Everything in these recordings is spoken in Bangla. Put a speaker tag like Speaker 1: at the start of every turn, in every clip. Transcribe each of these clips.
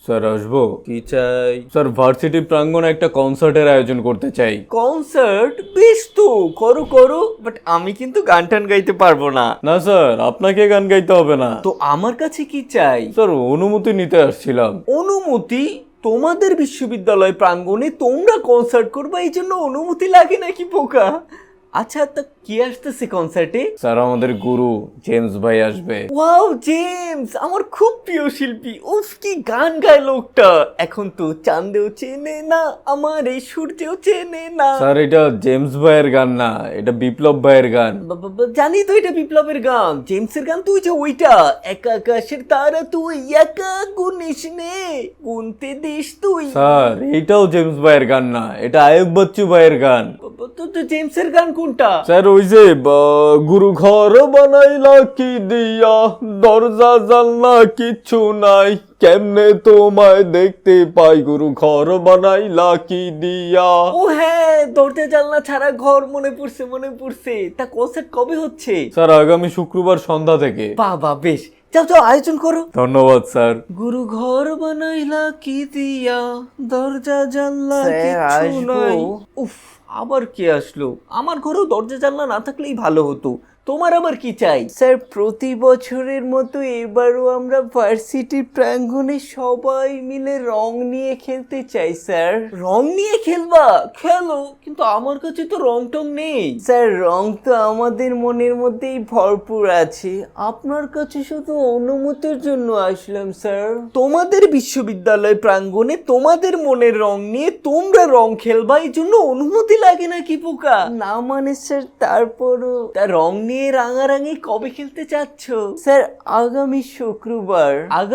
Speaker 1: স্যার আসবো? কি চাই? স্যার ভার্সিটি প্রাঙ্গণে একটা কনসার্টের আয়োজন করতে চাই।
Speaker 2: কনসার্ট? বেশ তো, করো করো, বাট আমি কিন্তু গান টান গাইতে পারবো না।
Speaker 1: না স্যার, আপনাকে গান গাইতে হবে না।
Speaker 2: তো আমার কাছে কি চাই?
Speaker 1: স্যার অনুমতি নিতে আসছিলাম।
Speaker 2: অনুমতি? তোমাদের বিশ্ববিদ্যালয় প্রাঙ্গণে তোমরা কনসার্ট করবে, এই জন্য অনুমতি লাগে নাকি পোকা? আচ্ছা, তা কি আসতেছে কনসার্টে?
Speaker 1: স্যার আমাদের গুরু জেমস ভাই আসবে।
Speaker 2: ওয়াও, জেমস আমার খুব প্রিয় শিল্পী। উফ, কি গান গায় লোকটা। এখন তো চাঁদেও চেনে না আমার, এই সূর্যেও চেনে না।
Speaker 1: স্যার এটা জেমস ভাইয়ের গান না, এটা বিপ্লব ভাইয়ের গান।
Speaker 2: জানি তো এটা বিপ্লবের গান, জেমসের গান তো ওইটা একা আকাশের তারা তুই একা গুনিস নে গুনতে দিস তুই।
Speaker 1: স্যার এইটাও জেমস ভাইয়ের গান না, এটা আয়ুব বচ্চু ভাইয়ের গান।
Speaker 2: তো জেমসের গান কোনটা?
Speaker 1: স্যার ওই যে গুরু ঘর বানাইলা কি দিয়া, দরজা জানলা কিচ্ছু নাই, কেমনে তোমায় দেখতে পাই, গুরু ঘর বানাইলা কি দিয়া।
Speaker 2: ও হ্যাঁ, দরজা জানলা ছাড়া ঘর, মনে পড়ছে। তা কনসার্ট কবে হচ্ছে?
Speaker 1: স্যার আগামী শুক্রবার সন্ধ্যা থেকে।
Speaker 2: বাবা বেশ, যাও আয়োজন করো।
Speaker 1: ধন্যবাদ স্যার।
Speaker 2: গুরু ঘর বানাইলা কি দিয়া, দরজা জানলা কিচ্ছু নাই। উফ, আবার কে আসলো? আমার ঘরেও দরজা জানলা না থাকলেই ভালো হতো। তোমার আবার কি চাই? স্যার প্রতি বছরের মতো এবারও আমরা ভার্সিটি প্রাঙ্গণে সবাই মিলে রং নিয়ে খেলতে চাই স্যার। রং নিয়ে খেলবা? খেলো, কিন্তু আমার কাছে তো রং টং নেই। স্যার রং তো আমাদের মনের মধ্যেই ভরপুর আছে, আপনার কাছে শুধু অনুমতির জন্য আসলাম স্যার। তোমাদের বিশ্ববিদ্যালয় প্রাঙ্গণে তোমাদের মনের রং নিয়ে তোমরা রং খেলবা, এই জন্য অনুমতি লাগে নাকি পোকা? না মানে স্যার, তারপরও তা রং নিয়ে রাঙারাঙি কবে খেলতে চাচ্ছ? স্যার আগামী শুক্রবার।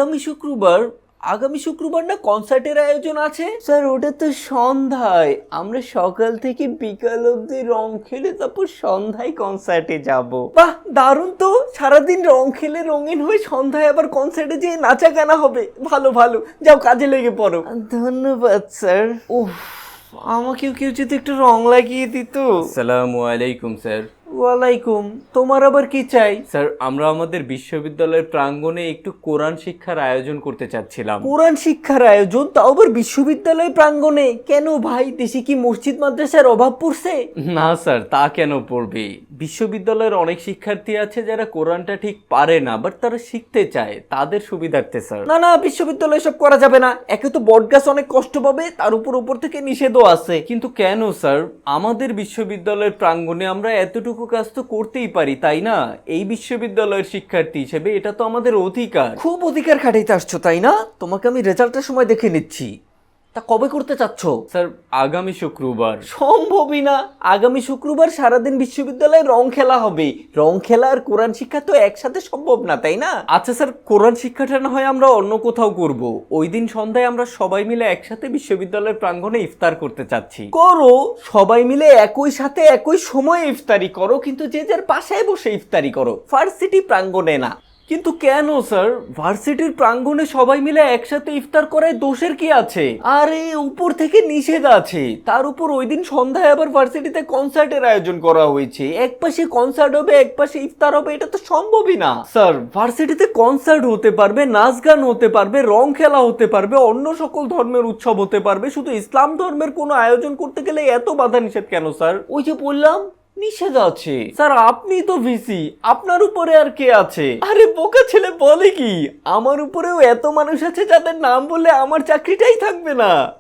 Speaker 2: আগামী শুক্রবার না কনসার্টের আয়োজন আছে? স্যার ওটা তো সন্ধ্যায়, আমরা সকাল থেকে বিকাল অবধি রং খেলে তারপর সন্ধ্যায় কনসার্টে যাব। বাহ দারুণ তো, সারাদিন রং খেলে রঙিন হয়ে সন্ধ্যায় আবার কনসার্টে যেয়ে নাচা গানা হবে। ভালো, যাও কাজে লেগে পড়ো। ধন্যবাদ স্যার। উফ, আমাকেও কেউ যদি একটু রং লাগিয়ে দিত।
Speaker 1: আসসালামু আলাইকুম স্যার।
Speaker 2: ওয়ালাইকুম। তোমার আবার কি চাই?
Speaker 1: স্যার আমরা আমাদের বিশ্ববিদ্যালয়ের প্রাঙ্গণে একটু কোরআন শিক্ষার আয়োজন করতে চাচ্ছিলাম।
Speaker 2: কোরআন শিক্ষার আয়োজন, তাও আবার বিশ্ববিদ্যালয় প্রাঙ্গণে? কেন ভাই, দেশে কি মসজিদ মাদ্রাসার অভাব পড়ছে?
Speaker 1: না স্যার, তা কেন পড়বে? বিশ্ববিদ্যালয়ের অনেক শিক্ষার্থী আছে যারা কোরআনটা ঠিক পারে না, বাট তারা শিখতে চায়, তাদের সুবিধার্থে স্যার।
Speaker 2: না বিশ্ববিদ্যালয়ে সব করা যাবে না। একে তো বটগাছ অনেক কষ্ট পাবে, তার উপর থেকে নিষেধও আছে।
Speaker 1: কিন্তু কেন স্যার? আমাদের বিশ্ববিদ্যালয়ের প্রাঙ্গণে আমরা এতটুকু কাজ তো করতেই পারি, তাই না? এই বিশ্ববিদ্যালয়ের শিক্ষার্থী হিসেবে এটা তো আমাদের অধিকার।
Speaker 2: খুব অধিকার খাটাইতে আসছো তাই না? তোমাকে আমি রেজাল্টের সময় দেখে নিচ্ছি। তা কবে করতে চাচ্ছ?
Speaker 1: স্যার আগামী শুক্রবার।
Speaker 2: সম্ভবই না, আগামী শুক্রবার সারাদিন বিশ্ববিদ্যালয়ে রং খেলা হবে। রং খেলা আর কোরআন শিক্ষা তো একসাথে সম্ভব না, তাই না?
Speaker 1: আচ্ছা স্যার, কোরআন শিক্ষাটা না হয় আমরা অন্য কোথাও করব। ওই দিন সন্ধ্যায় আমরা সবাই মিলে একসাথে বিশ্ববিদ্যালয়ের প্রাঙ্গণে ইফতার করতে চাচ্ছি।
Speaker 2: করো, সবাই মিলে একই সাথে একই সময়ে ইফতারি করো, কিন্তু যে যার বাসায় বসে ইফতারি করো, ভার্সিটি প্রাঙ্গণে না।
Speaker 1: কিন্তু কেন স্যার? ভার্সিটির প্রাঙ্গণে সবাই মিলে একসাথে ইফতার করায় দোষের কি আছে?
Speaker 2: আরে উপর থেকে নিষেধ আছে, তার উপর ওই দিন সন্ধ্যায় আবার ভার্সিটিতে কনসার্টের আয়োজন করা হয়েছে। এক পাশে কনসার্ট হবে, এক পাশে ইফতার হবে, এটা তো সম্ভবই না।
Speaker 1: স্যার ভার্সিটিতে কনসার্ট হতে পারবে, নাচ গান হতে পারবে, রং খেলা হতে পারবে, অন্য সকল ধর্মের উৎসব হতে পারবে, শুধু ইসলাম ধর্মের কোনো আয়োজন করতে গেলে এত বাধা নিষেধ কেন স্যার?
Speaker 2: ওই যে বললাম নিষেধ আছে।
Speaker 1: স্যার আপনি তো ভিসি, আপনার উপরে আর কে আছে?
Speaker 2: আরে বোকা ছেলে বলে কি, আমার উপরেও এত মানুষ আছে যাদের নাম বললে আমার চাকরিটাই থাকবে না।